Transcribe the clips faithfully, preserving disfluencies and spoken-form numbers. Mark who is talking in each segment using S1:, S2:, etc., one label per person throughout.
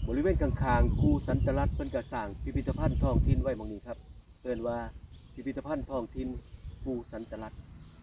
S1: บริเวณข้างๆกูสันตลัดเพิ่นก็สร้างพิพิธภัณฑ์ท้องถิ่นไว้หม้องนี้ครับเอิ้นว่าพิพิธภัณฑ์ท้องถิ่นกูสันตลัด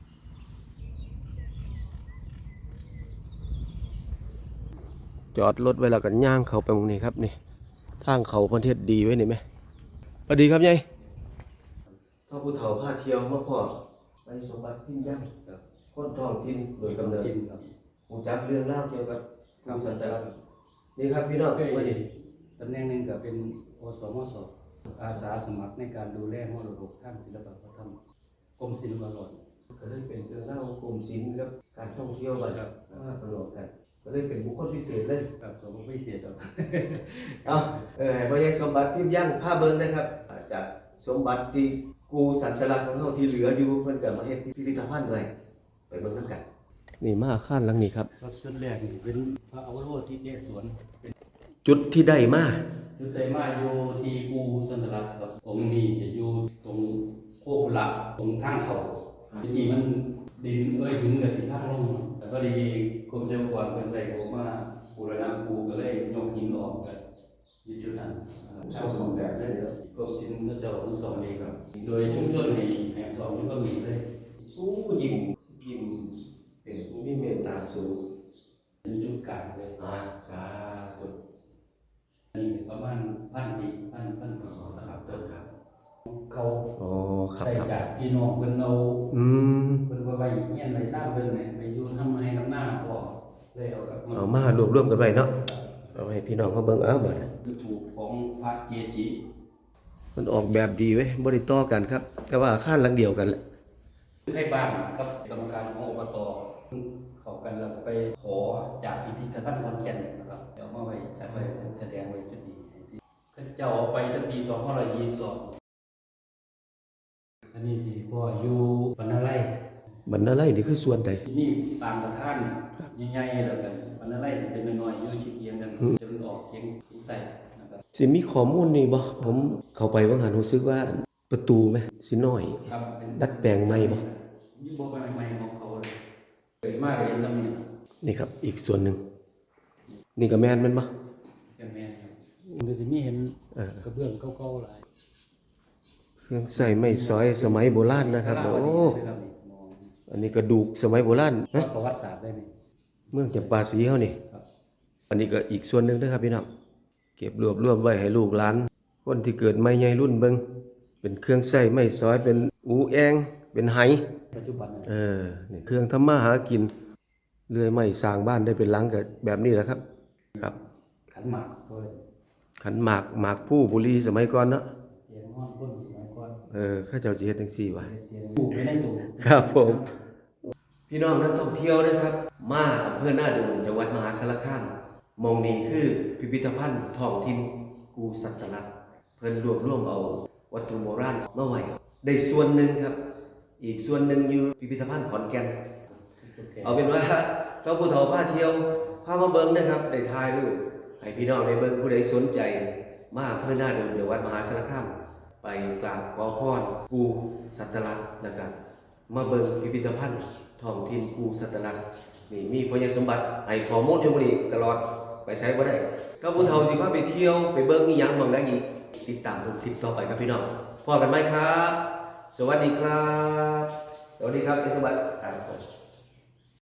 S1: จอดรถไว้แล้วก็ย่างเข้าไปหม้องนี้ครับนี่ทางเขาประเทศดีไว้นี่ไหมสวัสดีครับยายท่อผู้เฒ่าพาเที่ยวมาพ่อไปสมบัติพิมพ์ย่างคนท้องถิ่นโดยกำเนิดรู้จักเรื่องราวเกี่ยวกับกูสันตลัดนี่ครับพี่น้องวันนี้
S2: ตำแหน่งหนึ่งก็เป็นอสมสอาสาสมัครในการดูแลมรดกทางศิลปวัฒนธรรมกรมศิลปากร
S1: ก็เลยเป็นเรื่องเล่ากรมศิลป์กับการท่องเที่ยวมาครับมาประกอบกันก็เลยเป็นบุคคลพิเศษเลย
S2: ครับผมไม่เสียดอก
S1: เอาเออให้พ่อใหญ่สมบัติพิมพ์ย่างผ้าเบิ่งนะครับจากสมบัติที่กูสันตลักษณ์ของเฮาที่เหลืออยู่เพิ่นก็มาเฮ็ดพิพิธภัณฑ์ไว้ไปเบิ่งนำกันนี่มาอาคารหลังนี้ครับ
S2: จุดแรกนี่เป็นพระอวโรธิเดชสวน
S1: จุดที่ได้มา
S2: จุดได้มาอยู่ที่กูสันตลักษณ์ครับองค์นี้จะอยู่ตรงโคกหลักตรงทางเขาจริงๆมันดินเอ้ยถึงกับสิทางลงแต่ก็ดีกรมศิลปากรเพิ่นได้บอกว่าบูรณะกูก็เลยยกหินออกกันอยู่จุดนั้น
S1: สมบูรณ์แบบได้แล้ว
S2: กรมศิลป์ก็จะทั้งสองเองครับโดยชุมชนให้แห่งสองนี่ก็มีเลย
S1: สู้ยิ้มยิ้มเป็นมีเมตตาสูง
S2: มีจุดกลางเลย
S1: อ่าสาธุ
S2: นี่ประมาณพันปีพันพันปี
S1: ครับต้นครับ
S2: เขา
S1: อ๋อครับ
S2: ได้จากพี่น้องเพิ่นเอา
S1: อืม
S2: เพิ่นว่าไว้เฮียนไว้สร้างเพิ่นเนี่ยไปอยู่ทำให้น้ำหน้าพ่อเลยเอากับ
S1: เอามารวบรวมกันไว้เนาะเอาให้พี่น้องเขาเบิ่งเอาบัด
S2: ถูกของพระเจจิ
S1: มันออกแบบดีเว้ยบ่ได้ต่อกันครับแต่ว่าอาคารหลังเดียวกันแหละ
S2: ให้บ้านกับกรรมการของอบตเข้ากันแล้วไปขอจากพิพิธภัณฑ์ขอนแก่นนะครับเอามาไว้จัดไว้แสดงไว้จุดนี้เจ้าเอาไปตั้งปีสองพันห้าร้อยยี่สิบสองอันนี้สิพ่ออยู่บรรณาไร่
S1: บรรณาไร่นี่คือส่วนใด
S2: นี่ตามประธานใหญ่ๆแล้วกันบรรณาไร่สิเป็นน้อยๆอยู่ชิดเอียงกันจะมันออกเฉียงใต้นะครับ
S1: สิมีข้อมูลนี่บ่ผมเข้าไปว่าหันรู้สึกว่าประตูไหมสิน้อยดัดแปลงใหม่บ่
S2: ยิ่งบ่ใหม่ๆของเขาเลยเกิดมากก็เห็นซำนี่
S1: นี่ครับอีกส่วนหนึ่งนี่ก็แม่นแม่นบ่
S2: ก็แม่นครับมันก็สิมีเห็นกระเบื้องเก่าๆหลาย
S1: เครื่องใส่ไม้สอยสมัยโบราณนะครับโอ้อันนี้กระดูกสมัยโบราณ
S2: นะประวัติศาสตร์ได้นี่
S1: เมืองจำปาสีเฮานี่อันนี้ก็อีกส่วนหนึ่งเด้อครับพี่น้องเก็บรวบรวมไว้ให้ลูกหลานคนที่เกิดใหม่ใหญ่รุ่นเบิ่งเป็นเครื่องใช้ไม้สอยเป็นอูแองเป็นไห
S2: ปัจจุบัน
S1: เออนี่เครื่องทำมาหากินเลื่อยไม้สร้างบ้านได้เป็นหลังก็แบบนี้แหละครับครับ
S2: ขันหมากด้วย
S1: ขันหมากหมากผู้บุรีสมัยก่อนเนาะ
S2: เตียงนอนก้นสมัยก่อน
S1: เออข้าเจ้าสิเฮ็ดจังซี่ว่ะ
S2: ปลูกไว้ในตู้
S1: ครับผมพี่น้องนักท่องเที่ยวนะครับมาอำเภอหน้าดูนจังหวัดมหาสารคามมองนี้คือพิพิธภัณฑ์ท้องถิ่นกูสัตลักษณ์เพิ่นรวบรวมเอาวัตถุโบราณมาไว้ได้ส่วนหนึ่งครับอีกส่วนหนึ่งอยู่พิพิธภัณฑ์ขอนแก่นเอาเป็นว่าเจ้าผู้เฒ่าพาเที่ยวพามาเบิ่งนะครับได้ถ่ายรูปให้พี่น้องได้เบิ่งผู้ใดสนใจมาอำเภอหน้าดูนจังหวัดมหาสารคามไปกราบขอพรกูสัตลักษณ์แล้วก็มาเบิ่งพิพิธภัณฑ์ท้องถิ่นกูสัตลักษณ์นี่มีพยานสมบัติให้ข้อมูลอยู่บ่นี่ตลอดไปใช้บ่ได้ก็ผู้เฒ่าสิพาไปเที่ยวไปเบิ่งอีหยังบ้างได้อีกติดตามคลิปต่อไปครับพี่น้องพบกันใหม่ครับสวัสดีครับสวัสดีครับเอสมบัติครับ